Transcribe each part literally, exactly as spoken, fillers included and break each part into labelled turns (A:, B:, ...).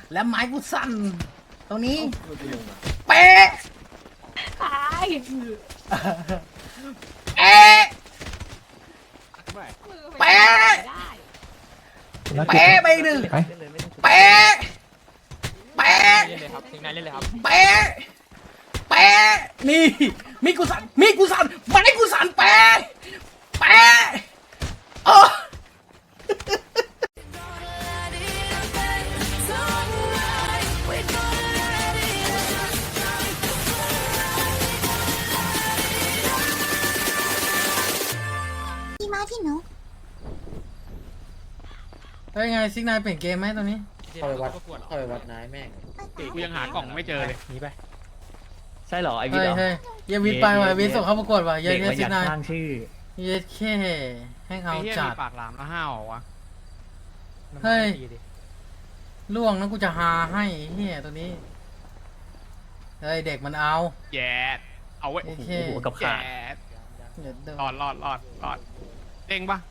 A: และไม้กูสั่นตรงนี้เป๊ะ
B: ตาย
A: เอ๊ะเป๊ะเป๊ะไปอีกหนึ่งเป๊ะเป๊ะ
C: เล่นเลยครับทิ้งนายเล่นเลยครับ
A: เป๊ะเป๊ะนี่มีกูสั่นมีกูสั่นไม้กูสั่นเป๊ะเป๊ะเออ
D: พี่มาพี่หนู
A: ได้ไงซิกนายเปลี่ยนเกมไหมตอนนี้
E: เข้าไปวัดเข้าไปวัดนายแม่ง
C: กูยังหากล่องไม่เจอเลยหนีไป
F: ใช่เหรอไอวิ
A: เฮ้
F: ท
A: ย
F: เหรอ
A: เฮ้ยเยวิทไปว่ะวิทส่งเข้าประกวดว่ะเย
F: เด็ก
A: เย
F: มันอ
A: ซิ
F: ยาก
A: กนาย
F: สร้างชื่อ
A: เยแค่ให้เขา
C: ไอ้เหี้ย
A: จัด
C: มีปากหลามแล้วห้าวเหรอวะ
A: เฮ้ย ล่วงนะกูจะหาให้เฮียตัวนี้เฮ้ยเด็กมันเอา
C: แย่เอาไว้
A: โอเค
F: โอ้โหกับ
C: แย่
F: ขา
A: เดี๋ยวเดี๋ยว
C: รอดรอดรอดรอดเด้งปะ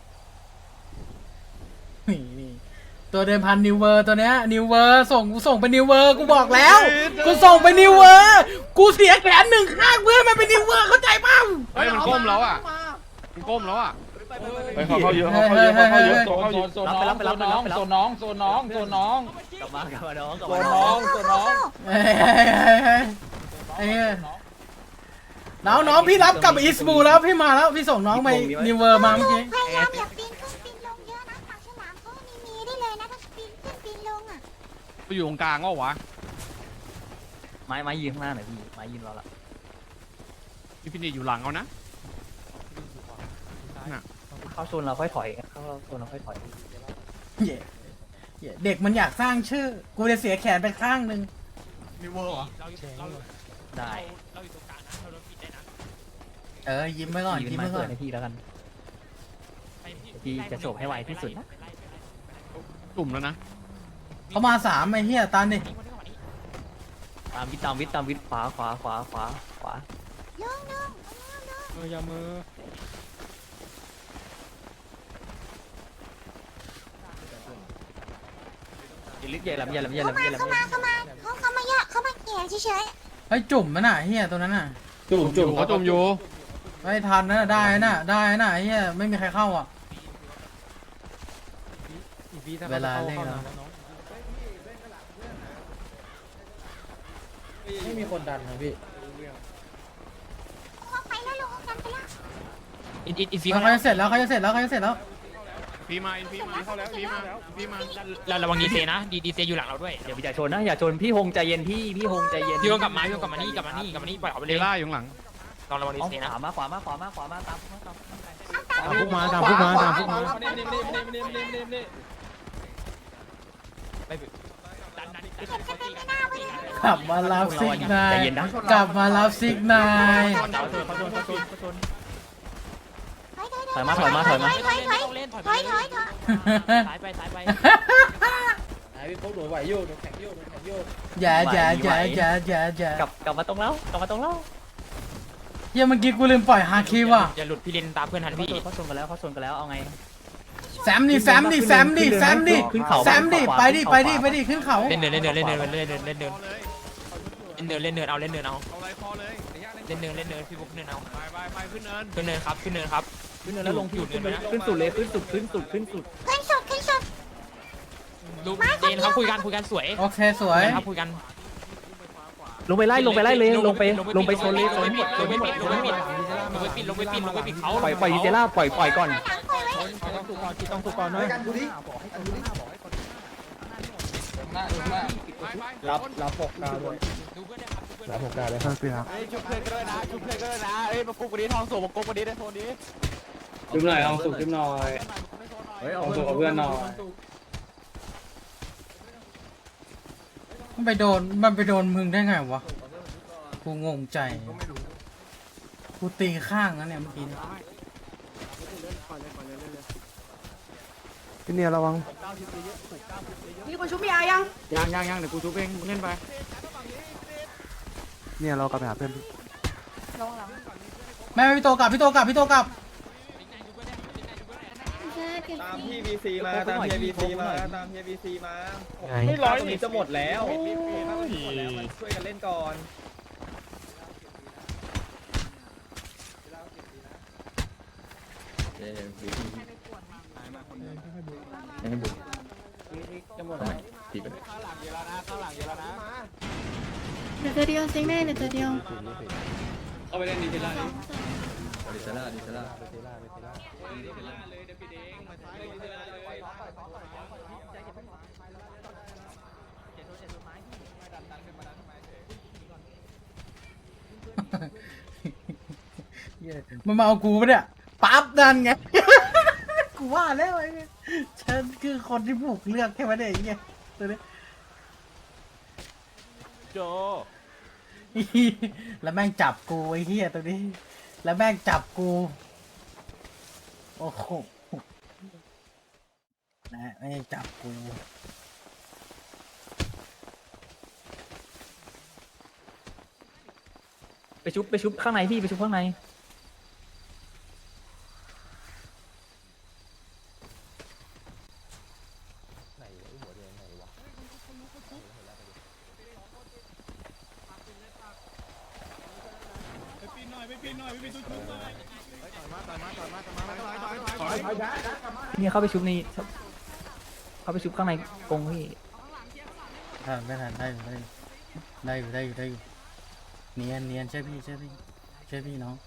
A: นี่นี่ตัวเดินพันนิวเวอร์ตัวเนี้ยนิวเวอร์ส่งกูส่งเป็นนิวเวอร์กูบอกแล้วกูส่งเป็นนิวเวอร์กูเสียแขนหนึ่งข้างเพื่อมันเป็นนิวเวอร์เข้าใจป่ะ
C: เฮ้ยมันก้มแล้วอ่ะมันก้มแล้วอ่ะ
E: เฮ้ยเขาเข้าเยอะเขาเข้าเยอะเขาเข้าเยอะโซนเข้าเยอะ
F: โซนน้องโซนน้องโซนน้องโซนน้องโซนน้อง กลับมากลับมาน้องกลับ
E: โซ
F: มาน น้
E: น้
F: อ
E: อง งโซนน้อง
A: เฮ้ยเฮ้ยเฮ้ยเฮ้ยไอ้เหี้ยน้องน้องพี่รับกลับอิสบูแล้วพี่มาแล้วพี่ส่งน้องไปนิวเวอร์มาเมื่อกี้
D: พยายามอย่าปีนขึ้นปีนลงเยอะนะปากฉลามเขามีมีได้เลยนะถ้าปีนขึ้นปีนลงอ่ะ
C: กูอยู่ตรงกลางก็วะ
F: ไม้ไม้ยืนข้างหน้าหน่อยพี่ไม้ยืนรอละ
C: พี่ฟินิชอยู่หลังเอานะน่ะ
F: เข้าโซนเราค่อยถอยเข้าโซนเราค่อยถอย
A: เหี้ยเหี้ยเด็กมันอยากสร้างชื่อ กูจะเสียแขนไปข้างหนึ่ง
C: นิวเวอร์เหรอ
F: ได้
C: เราอยู่ตรงกลางนะเราโดนปิดได้นะ
A: เออยิ้มไว้ก่อน
F: ยืน
A: ยิ้ม
F: ไม้
A: ไว้ก่
F: เปิ
A: อ
F: ด
A: น
F: ให้พี่แล้วกันพี่จะโฉบให้ไวที่สุดนะ
C: ตุ่มแล้วนะ
A: เขามาสามไอ้เหี้ยตามดิ
F: ตามวิทตามวิทตามวิทขวาขวาขวาขวาขวา
D: ลงลง
C: เอออย่ามือ
F: อย่าลึกอย่าหลับอย่าหลับอย่าห
D: เข้า
F: ลับอ
D: มา
F: ย่าหลับ
D: เข้ามาเข้ามาเขาเขามาเยอะเขามาเกี่ยเฉย
A: เฮ้ยจุ่มมันน่ะไอ้เหี้ยตัวนั้นน่ะ
E: จุ่มจุ่ม
C: เขาจุ่มอยู่
A: ไม่ทันนะได้นะได้นะไอ้เหี้ยไม่มีใครเข้าอ่ะ เวลาเล่นแล้ว
E: ไม่มีคนดันนะพี่
D: ๆเขาไปแล้วลงกันไปแล้ว
C: อินอินอินฟี
A: เขาจะเสร็จแล้วเขาจะเสร็จแล้วเขาจะเสร็จแล้ว
C: ฟีมาอินฟีมาเข้าแล้วฟีมาฟีมา
G: เราระวังดีเซนะดีดีเซอยู่หลังเราด้วย
F: อย่าอย่าชนนะอย่าชนพี่ฮงใจเย็นพี่พี่ฮงใจเย็น
G: พี่โยกลับมาพี่โยกลับมานี่กลับมานี่กลับมานี่ปล่อยออกไป
C: เด
G: เลย
C: ล่าอยู่ข้างหลัง
G: ลองระวังดี
F: เอา
G: เซ
F: ข
G: นะ
F: วามาขวามาขวามาขวามาตามตามตาม
A: ตามพวกมาตามพวกมาตามพวกมา
G: ดันดัน
D: เก็บสเต็ปไม่น่าไว้นะ
A: กลับมารับซิกนาย
F: ใจเย็นนะ
A: กลับมารับซิกนาย
D: ถอยถอยถอย
F: ถอยมาถอยมาถอยมา
D: ถอยถอย
G: เล่นถอย
D: ถอยถอยถอย
G: สายไปสายไป
E: นายพี่พวกหนูไหวโยกหนูแข็งโยกหนูแข็งโยก
A: อย่าอย่าอย่าอย่าอย่าอย่าก
F: ลับกลับมาตรงแล้วกลับมาตรงแล้ว
A: เหี้ยเมื่อกี้กูลืมปล่อยฮาคิว่ะ
G: อย่าหลุดพี่เลนตามเพื่อนทันพี่
F: เขาชนกันแล้วเขาชนกันแล้วเอาไง
A: แซมดิแซมดิแซมดิแซมดิ
F: ขึ้นเขา
A: แซมดิไปดิไปดิไปดิขึ้นเขา
G: เล่นเดินเล่นเดินเล่นเดินเล่นเดินเล่นเดิน
C: พอเลย
G: เล่นเดินเล่นเดินเอาเล่นเดินเอา
C: เอาอะไรพอเลย
G: เล่นเดินเล่นเดินพี่บุ๊กเดินเอา
C: ไปไปไปขึ้นเนิน
G: ขึ้นเนินครับขึ้นเนินครับ
F: ขึ้นแล้วลงขึ้นขึ้นขึ้นสุดเลยขึ้นสุดขึ้นสุดขึ้นสุด
D: ขึ้นสุดขึ้นสุด
G: ดูเดนครับคุยกันคุยกันสวย
A: โอเคสวย
G: ครับคุยกัน
F: ลงไปไล่ลงไปไล่เลยลงไปลงไปชนเลยช
G: ล
F: น
G: ง
F: หมด
G: ไม่ปิดลงไม่ปิดลงไม่ปิดลงไม่ปิดลงไม่ปิดเขา
F: ปล่อยปล่อยเจล่าปล่อยปล่อยก่อน
D: หลังปล่อยไว้
E: ต้องถูกก่อนนะกันดูดิ รับรับหกดาวเลย
G: ดูเพื่อนนะครับ
E: รับหกดาวเลยครับพี่ครับ
C: ชุบเพื่อนก็ได้นะชุบเพื่อนก็ได้นะเอ้ยมากุ๊กวันนี้ทองสูงมากุ๊กวันนี้ได้โทนนี้
E: จุ่มหน่อยเอาสุกจุ่มหน่อยเอาสุกกับเพื่อนหน่อย
A: มันไปโดนมันไปโดนมึงได้ไงวะกูงงใจกูตีข้างนะเนี่ยเมื่อกี้เนี่ย
H: พี่เนี่ยระวัง
B: มีคนชุบพี่อายัง
C: ยังยังยังเดี๋ยวกูชุบเองมึงเล่นไป
H: เนี่ยเรากลับไปหาเพื่อนพี่
B: ลงหลัง
A: แม่พี่โตกลับพี่โตกลับพี่โตกลับ
D: เชิญ
B: เก็บ
H: ตาม
B: สี
H: พี่บีซีมาตามพี่บีซีมาตามพี่บีซีมา
C: ไม่ร้อย
H: ตรงนี้จะหมดแล้วถ้ามันหมดแล้วมันช่วยกันเล่นก่อน
C: ข้างหลังเยอะแล้วนะข้างหลังเยอะแล้วนะ
B: เดี๋ยวตัวเดียวซิงแม่เดี๋ยวตัวเดียว
E: เข้าไปเล่นดีเทล่า
B: ส
E: ดิ
B: องสอง
E: ดีเทล่าดีเทล่า
A: เหี้ยมันมาเอากูปะเนี่ยปั๊บนั่นไง กูว่าแล้วไอ้เนี่ยฉันคือคนที่ผูกเลือกแค่วันเดียวไอ้เงี้ยตัวนี้
C: โจ
A: แล้วแม่งจับกูไอ้เหี้ยตัวนี้ แล้วแม่งจับกูโอ้โหนะไม่งจับกู
F: ไปชุบไปชุบข้างในพี่ไปชุบข้างใน เนี่ยเข้าไปชุบนี่เข้าไปชุบข้างในกรงพี่
A: อ่าไม่ทันได้อยู่ได้อยู่ได้อยู่ได้อยู่ได้อยู่เนียนเนียนใช่พี่ใช่พี่ใช่พี่น้อง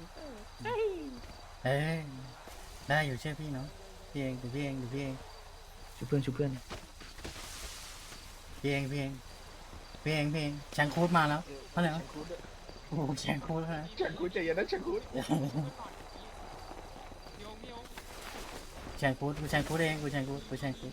A: เอ้ยได้อยู่ใช่พี่น้องพี่เองเดี๋ยวพี่เองเดี๋ยวพี่เอง
F: ชุบเพื่อนชุบเพื่อน
A: พี่เองพี่เองพี่เองพี่เองแชงคูดมาแล้วเท่าไหร่วะโอ้โหแชงคูดแล้วนะ
C: ฉันกูใจเย็นนะฉันกู
A: แชงคูดกูแชงคูดเองกูแชงคูดกูแชงคูด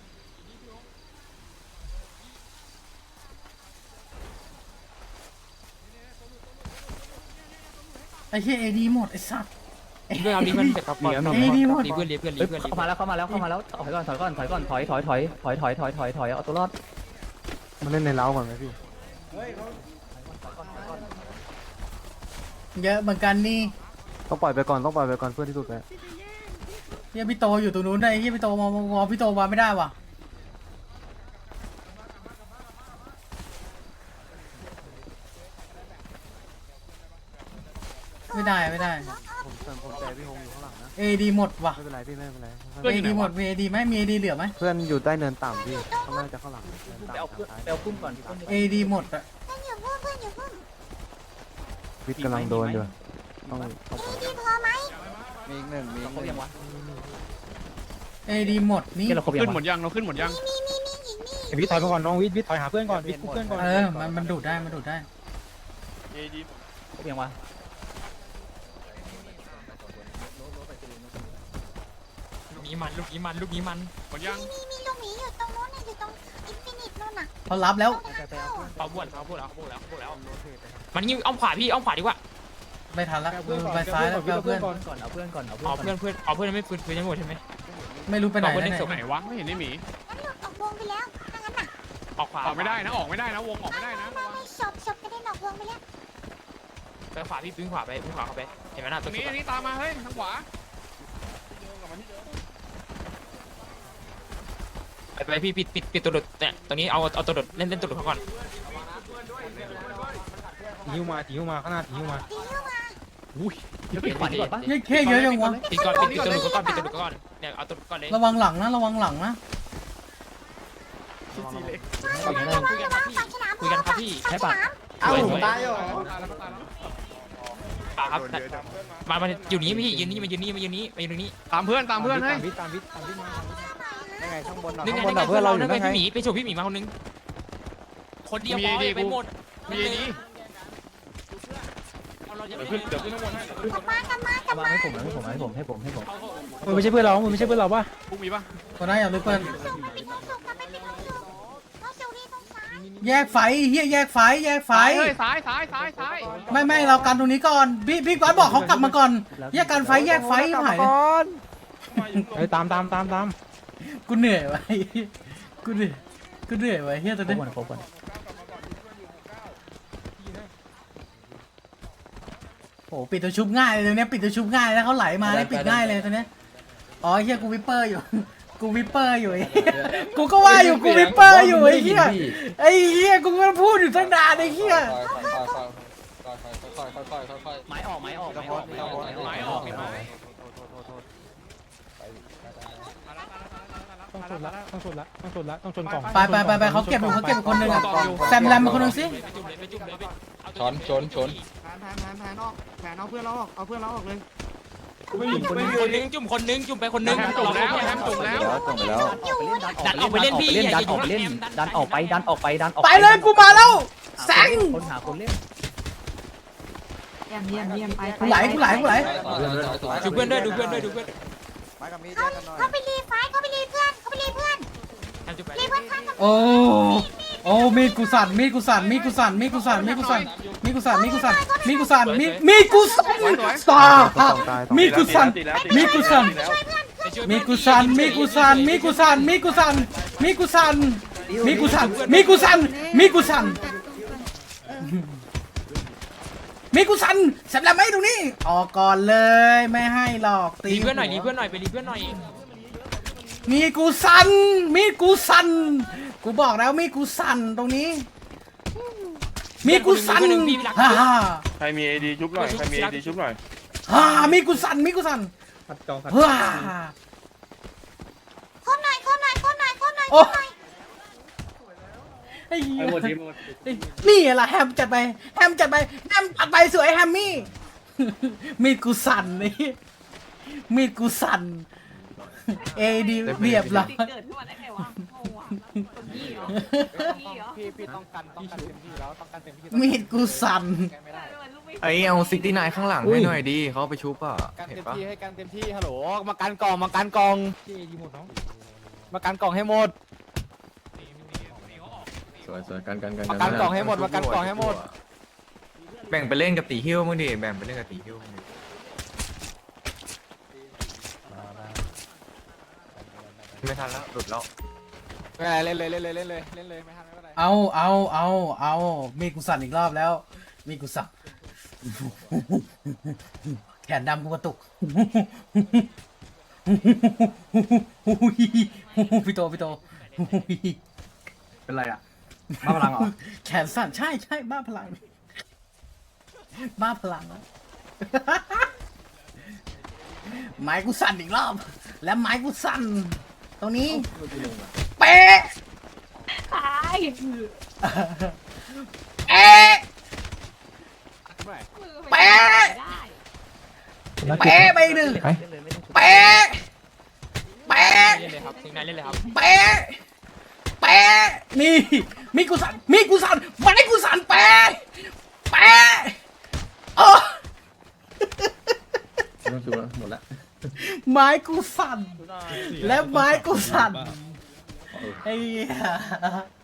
A: ไอ้เหี้ยเอดีหมดไอ้สัส
G: เพื่อนเอาดีเพื่อนเสร็จครับก่อน
A: เอ้ยดีหมด
G: รีเพื่อนรีเพื่อนรี
F: เฮ้ย
G: เพื่อนรี
F: เข้ามาแล้วเข้ามาแล้วเข้ามาแล้วถอยก่อนถอยก่อนถอยก่อนถอยถอยถอยถอยถอยถอยถอยถอยเอาตัวรอด
C: มาเล่นในเล้าก่อนไหมพี่
A: เยอะเหมือนกันนี่
C: ต้องปล่อยไปก่อนต้องปล่อยไปก่อนเพื่อนที่สุดเลย
A: เฮียพี่โตอยู่ตรงนู้นได้เฮียพี่โตมามามองพี่โตมาไม่ได้ว่ะไม่ได้ไม่ได้
C: ผมเติมผมใจพี่ฮงอยู่ข้างหลังนะ
A: เอดีหมดว่ะ
C: ไม่เป็นไรพี่ไม่เป็นไร
A: เอดีหมดมีเอดีไหมมีเอดีเหลือไหม
C: เพื่อนอยู่ใต้เนินต่ำพี่ข้างล่างจะข้างหลังเนิน
F: ไปเอา
C: ต่ำ
F: เพื่อน
C: ทาง
F: ไปเอาปุ้มก่อนพี่ปุ้ม
A: เอดีหมดอะ
D: เพื่อนอยู่พุ่มเพื่อนอยู่พุ่ม
C: วิทย์กำลังโดนอยู่ต้องต้องปล่อย
D: มีพอไหม
H: มีอีกหนึ่งมีอีก
F: ครบ
H: หนึ่
F: ยัง
H: ง
F: วะ
A: เอดีหมดนี่
F: เกี่ยเราครบยัง
I: ขึ้นหม
F: วะ
I: ดยังเราขึ้นหมดยัง
D: มีมีมีอีกมี
C: วิทย์ถอยมาก่อนน้องวิทย์วิทย์ถอยหาเพื่อนก่อนวิทย์เพื่อนก่อน
A: เออมันมันดูดได้มันดูดได้
F: ครบยังวะ
G: ลูกนี้มันลูกนี้มันลูกนี้มัน
I: หมดยัง
D: มีมีลูกหมีอยู่ตรงนู้นน่ะอยู่ตรงอินฟินิตนู่นน่ะ
A: เขารับแล้ว
G: เขาบวชเขาบวชแล้วเขาบวชแล้วเขาบวชแล้วมันยิงอ้อมขวาพี่อ้อมขวาดีกว่า
A: ไม่ทันแล้วไปซ้ายแล้วไปเอาเพื่อน
F: ก่อนเอาเพื่อนก่อนเอาเพื่อน
G: เอา
F: ก่อน
G: เพื่อนเพื่อนเอาเพื่อนไม่ฟื้นฟื้นยังหมดใช่ไหม
A: ไม่รู้ไปไหน
G: เอาเพื่อน
A: แล้ว
G: เล่นศพ
A: เนี่ย
I: ไหนวะไม่เห็นไอ้หมี
D: งั้นหลุดออกวงไปแล้วถ้างั้นน่ะ
G: ออกขวา
I: ออกไม่ได้นะออกไม่ได้นะวงออกไม่ได้นะ
D: ไม่ไม่ศพศพกระเด็นออกวงไปแล้ว
G: ไปขวาพี่ปิ้งขวาไปปิ้งขวาเข้าไปเห็นไหมน่ะ
I: ต
G: ตั
I: ร
G: ว
I: ง
G: สุ
I: นี้
G: ด
I: อันนี้ตามมาเฮ้ยทางขวา
G: ไปไปพี่ปิดปิดปิดตัวหลุดเนี่ยตรงนี้เอาเอาตัวหลุดเล่นเล่นตัวหลุดเขาก่อน
C: หิวมาหิวมาข้างหน้าหิวมา
D: ตีเข้ามา
F: เดี๋ยวปิดขวาดีกว่าปะ
A: เฮ้ยเท่เยอะจังวะ
G: ปิดก่อนปิดปิดตัวหลุดเขาก่อนปิดตัวหลุดเขาก่อนเนี่ยเอาตัวหลุดก่อนเลย
A: ระวังหลังนะระวังหลังนะ
D: ระวังระวังระวังปากฉลาม
G: คุยกันครับพี่
D: ปากฉลาม
G: สวยสวย
H: ตายเหรอ
G: ป่าครับมามาอยู่นี้พี่ยืนนี่มายืนนี่มายืนนี่มายืนตรงนี้
I: ตามเพื่อนตามเพื่อนให้
C: วิทย์ตามวิทย์ตามวิทย์มา
H: ยังไงข้างบนหน่อย
G: นึก
H: ข้าง
G: ไง
H: บน
G: นึก
H: หน่
G: ไง
H: อย
G: เพื่
H: เพื่
G: อ
H: อน นเรา
G: เรา
H: อยู่
G: นึกไง
H: นั่นไง
G: พี่หมีไปโฉบพี่หมีมาคนนึงคนเดียวพอไปหมด
I: มีไอ้ดี
G: เราจะ
I: เดี๋ยวขึ้นเดี๋ยวขึ้นข้างบนให้
D: กลับมากลับมากลับ
F: มา
D: มา
F: ให้ผมให้ผมให้ผมให้ผมให้ผม
C: มันไม่ใช่เพื่อนเรามันไม่ใช่เพื่อนเราป่ะ
I: พวกมีปะ
A: ตัวนั้นอย่าลึกเพื่อน
D: ส่งไปปิดห้องส่งกลับไปปิดห้องส่งห้องส่งนี่ตรงซ้าย
A: แยกไฟเฮียแยกไฟแยกไฟ
I: เฮ้ยซ้ายซ้ายซ้ายซ้าย
A: ไม่ไม่เรากันตรงนี้ก่อนพี่พี่ก้อนบอกเขากลับมาก่อนแยกกันไฟแยกไฟหายเลย
C: เฮ้ยตามตามตามตาม
A: กูเหนื่อยไว้กูเหนื่อยกูเหนื่อยไว้เฮียตัว
F: ครบ
A: นี้
F: ก่อนครบก่อน
A: โอ้ปิดตัวชุบง่ายเลยตัวเนี้ยปิดตัวชุบง่ายแล้วเขาไหลมาได้ปิดง่ายเลยตัวเนี้ยอ๋อเฮียกูวิปเปอร์อยู่ กูวิปเปอร์อยู่ไอ้เหี้ยกูก็ว่าอยู่กูวิปเปอร์อยู่ไอ้เหี้ยไอ้เหี้ยกูก็พูดอยู่ตั้งนานไอ้เหี้ย
F: ไม้ออกไม้ออกไม้ออกไม้ออก
G: ไม้ออกไม้ออก
I: ต้องชนละต้องชนละต้องชนละต้องชนกล่อง
A: ไปไปไปไปเขาเก็บอยู่เขาเก็บอยู่คนหนึ่งอะแซมแรมมาคนหนึ่งสิ
G: ไปจุ่มเลยไปจุ่มเลยไปเอา
C: ชนชนชน
I: แผนแผนแผนแผนออกแผนเอาเพื่อนเราออกเอาเพื่อนเราออกเลย
G: คนนึงจุ่มคนนึงจุ่มไปคนนึง
I: แฮมจุ่มแล้วแฮมจุ่มแล้ว
F: ดันออกไปเล่นพี่ดันออกไปเล่นดันออกไปดันออกไปดันออก
A: ไปเลยกูมาแล้วแซง
F: คนหาคนเล่น
B: เยี่ยมเยี่ยมเยี่ยมไป
A: กูไหลกูไหลกูไหล
G: ดูเพื่อนด้วยดูเพื่อนด้วยดูเพื่อน
D: เขาเขาไปรีไฟท์เขาไปรีเพื่อนเขาไปรีเพื่อน
G: ทำจุ่มไป
D: รีเพื่อนข้างกับ
A: โอ้โอ้มีดกูสั่นมีดกูสั่นมีดกูสั่นมีดกูสั่นมีดกูสั่นมีดกูสั่นมีดกูสั่นมีดกูสั่นมีดมีดกูสั่นตามีดกูสั่นมีดกูสั่นมีดกูสั่นมีดกูสั่นมีดกูสั่นมีดกูสั่นมีดกูสั่นมีดกูสั่นมีดกูสั่นมีดกูสั่นมีดกูสั่นเสร็จแล้วไหมตรงนี้ออกก่อนเลยไม่ให้หรอกตี
G: รีเพื่อนหน่อยรีเพื่อนหน่อยไปรีเพื่อนหน่อย
A: มีดกูสั่นมีดกูสั่นกูบอกแล้วมีดกูสั่นตรงนี้มีดกูสั่นฮ่าฮ่า
J: ใครมีเอดีชุบหน่อย ใครมีเอดีชุบหน่อย
A: ฮ่ามีดกูสั่นมีดกูสั่น
H: ผัดกองผัด
A: ฮ่า
D: คมหน่อยคมหน่อยคมหน่อยคมหน่อยค
A: โอ้
D: มหน่อย
A: ไอ้เหี้
E: ไอ้
A: ย
E: หมดทีหมด
A: นี่แหละแฮมจัดไปแฮมจัดไปแฮมจัดไปสวยแฮมมี่ มีดกูสั่นนี่มีดกูสั่นเอดีเรียบร้อย
B: เกิดขึ้นมาได้ไงวะโอ้โหคนพี่เหรอพี่เหรอ
C: พี่พี่ต้องกันต้องกันเต็มที่แล้วต้องกันเต็มที่
A: มีดกูสั่น
F: ไอ้เอาซิกตี้นายข้างหลังให้หน่อยดีเขาไปชุบอ่ะ
C: กันเต็มที่ให้กันเต็มที่ฮัลโหลมากันกล่องมากันกล่องมากันกล่องให้หมด
F: สวยสวยกันกันกัน
C: มากันกล่องให้หมดมากันกล่องให้หมด
F: แบ่งไปเล่นกับตีฮิ้วมึงดิแบ่งไปเล่นกับตีฮิ้วมึงดิ ไม่ทันแล้วหลุดแล้ว
C: ไม่เป็นไรเล่นเลยเล่นเลยเล่นเลยเล่นเลยไม่ทันไม่เป็นไร
A: เอาเอาเอาเอามีดกูสั่นอีกรอบแล้วมีดกูสั่นแขนดำกูกระตุกพี่โตพี่โต
F: เป็นไรอ่ะบ้าพลังเหรอ
A: แขนสั่นใช่ใช่บ้าพลัง บ้าพลังแล้ว ไม้กูสั่นอีกรอบ แล้วไม้กูสั่นตรงนี้ เป๊ะ
B: ตาย
A: เป๊ะเป๊ะเป๊ะไปอีกหนึ่งเป๊ะเป๊ะ
G: เล่นเลยครับทิ้งนายเล่นเลยครับ
A: เป๊ะเป๊ะนี่มีกูสั่นมีกูสั่นไม้กูสั่นเป๊ะเป๊ะโอ้
F: ต้องชุบแล้วหมดแล้ว
A: ไม้กูสั่นและไม้กูสั่นไอ้เหี้ย